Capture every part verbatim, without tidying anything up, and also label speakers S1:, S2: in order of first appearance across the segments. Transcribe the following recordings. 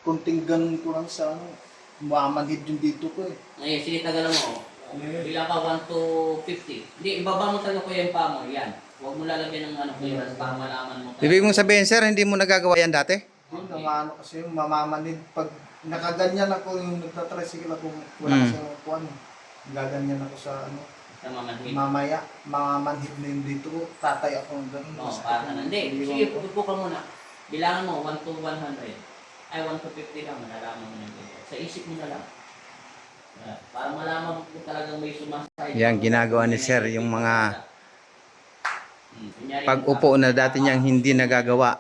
S1: kunting ganun ko lang sa ano, mamanhid yung dito ko eh.
S2: Ngayon, sige, tagalan mo. Bilang ka one to fifty. Hindi, ibaba mo talaga kuya yung paa mo. Yan. Huwag mo lalagyan ng ano clearance para malaman mo.
S3: Ibig mong sabihin, sir, hindi mo nagagawa yan dati?
S1: Yun, ano kasi yung mamamanhid pag nakaganyan ako yung nagtatricycle ako wala
S3: Mm.
S1: sa kuwan. Gaganyan ako sa ano,
S2: Sa mamanhid.
S1: mamaya, mamamanhid na yung dito ko, tatay ako ng ganun.
S2: Oo, para na. Hindi, sige, pupupo ka muna. Bilangan mo, one to one hundred. Ay, one to fifty lang. Malalaman mo na dito. Sa isip mo na lang. Yeah. Para malaman mo kung talagang may sumasay.
S3: Yan, ginagawa ni sir, yung mga
S2: Hmm, kunyari,
S3: pag-upo na dati niyang hindi nagagawa.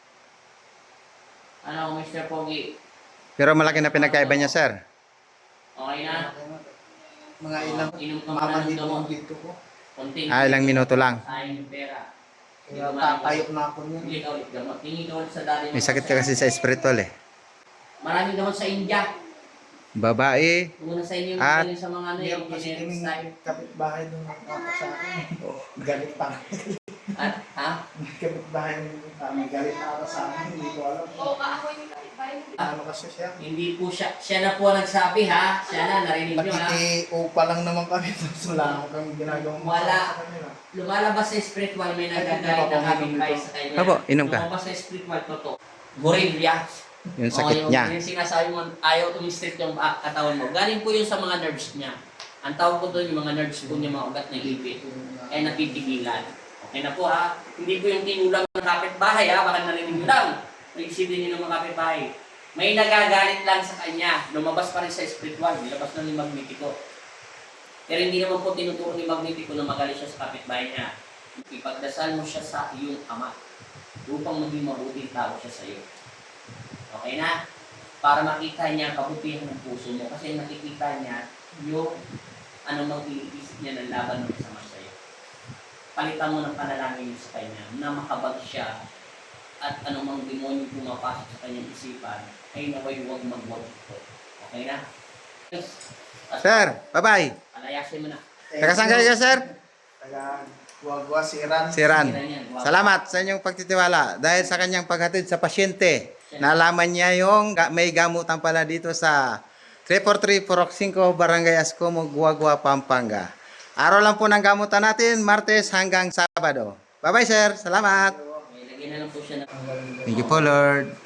S2: Ano, mister Pogi?
S3: Pero malaki na pinagkaiba niya, sir.
S2: Okay na?
S1: Mga ilang
S2: Inom ka muna ng
S1: mamanhid
S2: gamot.
S1: yung dito ko.
S2: Konting.
S3: Ah, ilang minuto lang.
S2: Sayang yung pera.
S1: Kaya tatayo na ako niyan.
S2: Hindi ka ulit gamot. Tingin ka ulit sa dati mo.
S3: May sakit ka kasi sa spiritual eh.
S2: Maraming gamot sa India.
S3: Babae,
S2: Muna sa inyo yung
S3: At-
S2: galing sa mga ano
S1: Meron
S2: yung
S1: kasi
S2: generic
S1: kaming
S2: style.
S1: kapitbahay doon ako sa akin. Galit pa.
S2: At, ha?
S1: Kapitbahay doon kami. Galit na ako sa akin. Hindi ko alam.
S4: Oo, ako yung kapitbahay.
S1: Ano kasi siya.
S2: Hindi po siya, siya na po ang nagsabi ha. Siya na, narinig nyo ha.
S1: Nakiki-upa lang naman kami. Tapos wala naman kami ginagawang
S2: Wala.
S1: sa kanila.
S2: Lumalabas sa spiritual, may nagagalit na kapitbahay sa kanya.
S3: Apo, inom ka.
S2: Lumabas sa spiritual, totoo. Gorilla.
S3: yung sakit
S2: Oo,
S3: niya.
S2: Yung sinasabi mo, ayaw tumistrip yung ah, katawan mo. Galing po yun sa mga nerves niya. Ang tawag ko doon, yung mga nerves po niya, mga ugat na ipit. Kaya napipigilan. Okay na po ha. Hindi po yung tinulang ng kapitbahay ha. Baka narinig nyo lang. Naisipin nyo ng mga kapitbahay. May nagagalit lang sa kanya. Lumabas pa rin sa spiritual. Nilabas na ni Magnetico. Pero hindi naman po tinuturo ni Magnetico na magalit siya sa kapitbahay niya. Ipagdasal mo siya sa iyong ama. Upang maging mabuting tao siya sa iyo. Okay na? Para makita niya ang kabutihan ng puso mo. Kasi nakikita niya yung anumang iniisip niya ng laban ng masama sa iyo. Palitan mo ng panalangin mo sa kanya na makabag siya at anumang demonyo pumapasok sa kanyang isipan ay naway huwag magwag ito. Okay na?
S3: Sir, bye-bye.
S2: Palayasin mo na.
S3: Taga saan kayo, sir?
S1: Taga Guagua, Siran.
S3: Si Ran. Salamat sa inyong pagtitiwala dahil sa kanyang paghatid sa pasyente. Nalaman niya yung ga- may gamutan pala dito sa three four three four five Barangay Ascomo, Guagua, Pampanga. Araw lang po ng gamutan natin, Martes hanggang Sabado. Bye-bye, sir. Salamat.
S2: May lagyan na lang po siya ng
S3: Thank you po, Lord.